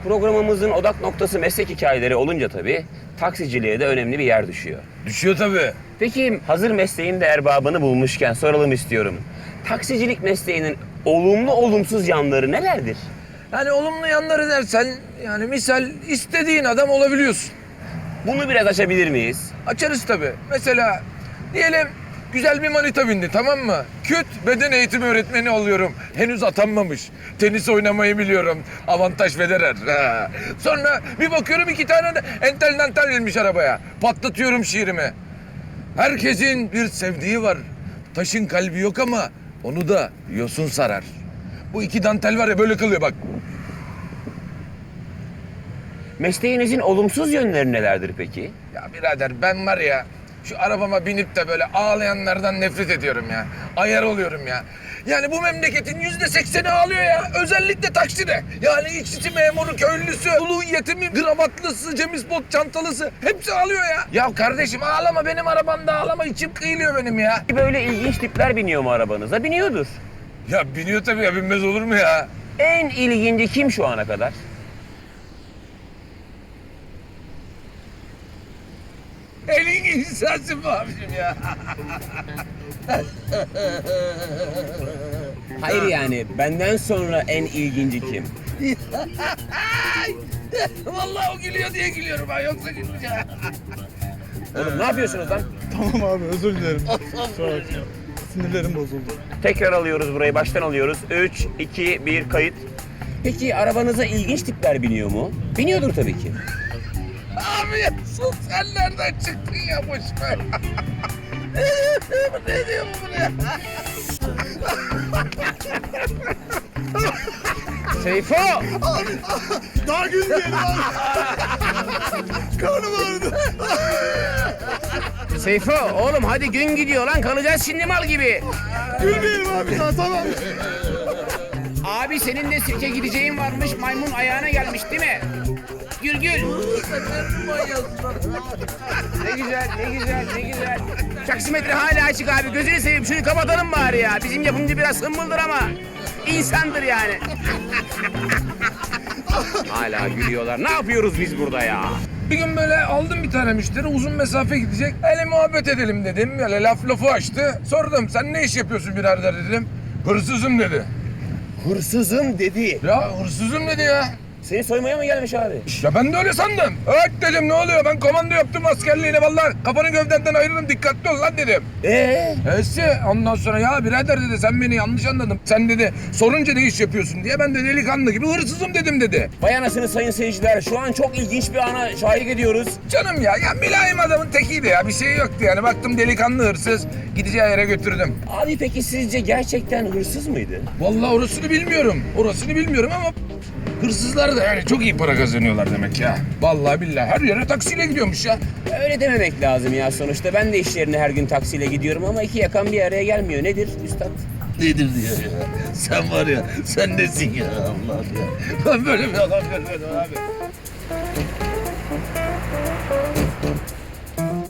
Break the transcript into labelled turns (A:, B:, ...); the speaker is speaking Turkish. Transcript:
A: Programımızın odak noktası meslek hikayeleri olunca tabii taksiciliğe de önemli bir yer düşüyor.
B: Düşüyor tabii.
A: Peki hazır mesleğin de erbabını bulmuşken soralım istiyorum. Taksicilik mesleğinin olumlu olumsuz yanları nelerdir?
B: Yani olumlu yanları dersen yani misal istediğin adam olabiliyorsun.
A: Bunu biraz açabilir miyiz?
B: Açarız tabii. Mesela diyelim güzel bir manita bindi, tamam mı? Küt beden eğitimi öğretmeni oluyorum. Henüz atanmamış. Tenis oynamayı biliyorum. Avantaj Federer. Ha. Sonra bir bakıyorum 2 tane de entel dantel gelmiş arabaya. Patlatıyorum şiirimi. Herkesin bir sevdiği var. Taşın kalbi yok ama onu da yosun sarar. Bu 2 dantel var ya böyle kalıyor bak.
A: Mesleğinizin olumsuz yönleri nelerdir peki?
B: Ya birader ben var ya şu arabama binip de böyle ağlayanlardan nefret ediyorum ya. Ayar oluyorum ya. Yani bu memleketin %80'i ağlıyor ya. Özellikle takside. Yani işçi memuru, köylüsü, ulu yetimi, gravatlısı, cemispot çantalısı hepsi ağlıyor ya. Ya kardeşim ağlama, benim arabamda ağlama, içim kıyılıyor benim ya.
A: Böyle ilginç tipler biniyor mu arabanıza? Biniyordur.
B: Ya biniyor tabii ya, binmez olur mu ya?
A: En ilginci kim şu ana kadar?
B: Elin insansın mı abicim ya?
A: Hayır yani benden sonra en ilginci kim?
B: Vallahi o gülüyor diye gülüyorum ben, yoksa gülmeyeceğim.
A: Oğlum ne yapıyorsunuz lan?
C: Tamam abi, özür dilerim. Kusura bakma. Sinirlerim bozuldu.
A: Tekrar alıyoruz burayı, baştan alıyoruz. 3, 2, 1, kayıt. Peki arabanıza ilginç tipler biniyor mu? Biniyordur tabii ki.
B: Abi ya sus, sen nereden çıktın ya, boş ver. Ne diyor bu buraya?
A: Seyfo!
C: Daha gülmeyelim abi. Karnım ağrıdı.
A: Seyfo oğlum hadi gün gidiyor lan, kalacağız şimdi mal gibi.
C: Gülmeyelim abi daha, tamam.
A: Abi senin de sirke gideceğin varmış, maymun ayağına gelmiş değil mi? Gül gül. Ne güzel, ne güzel, ne güzel. Taksimetre hala açık abi, gözünü seveyim şunu kapatalım bari ya. Bizim yapımcı biraz hımbıldır ama insandır yani. Hala gülüyorlar. Ne yapıyoruz biz burada ya?
B: Bir gün böyle aldım bir tane müşteri, uzun mesafe gidecek. Hele muhabbet edelim dedim. Böyle lafı açtı. Sordum, sen ne iş yapıyorsun birader dedim. Hırsızım dedi.
A: Hırsızım dedi.
B: Ya hırsızım dedi ya.
A: Seni soymaya mı gelmiş abi?
B: Ya ben de öyle sandım. Evet dedim, ne oluyor? Ben komando yaptım askerliğine vallahi. Kafanı gövdenden ayırırım, dikkatli ol lan dedim. Ondan sonra ya birader dedi, sen beni yanlış anladın. Sen dedi sorunca ne iş yapıyorsun diye, ben de delikanlı gibi hırsızım dedim dedi.
A: Vay anasını sayın seyirciler, şu an çok ilginç bir ana şahit ediyoruz.
B: Canım ya mülayim adamın tekiydi ya, bir şey yoktu yani. Baktım delikanlı hırsız, gideceği yere götürdüm.
A: Abi peki sizce gerçekten hırsız mıydı?
B: Vallahi orasını bilmiyorum. Orasını bilmiyorum ama hırsızlar da yani çok iyi para kazanıyorlar demek ya. Vallahi billahi her yere taksiyle gidiyormuş ya.
A: Öyle dememek lazım ya sonuçta. Ben de iş yerine her gün taksiyle gidiyorum ama iki yakan bir araya gelmiyor. Nedir üstad?
D: Nedir diyor ya. Sen var ya, sen nesin ya Allah'ım ya.
B: Ben böyle bir adam görmedim abi.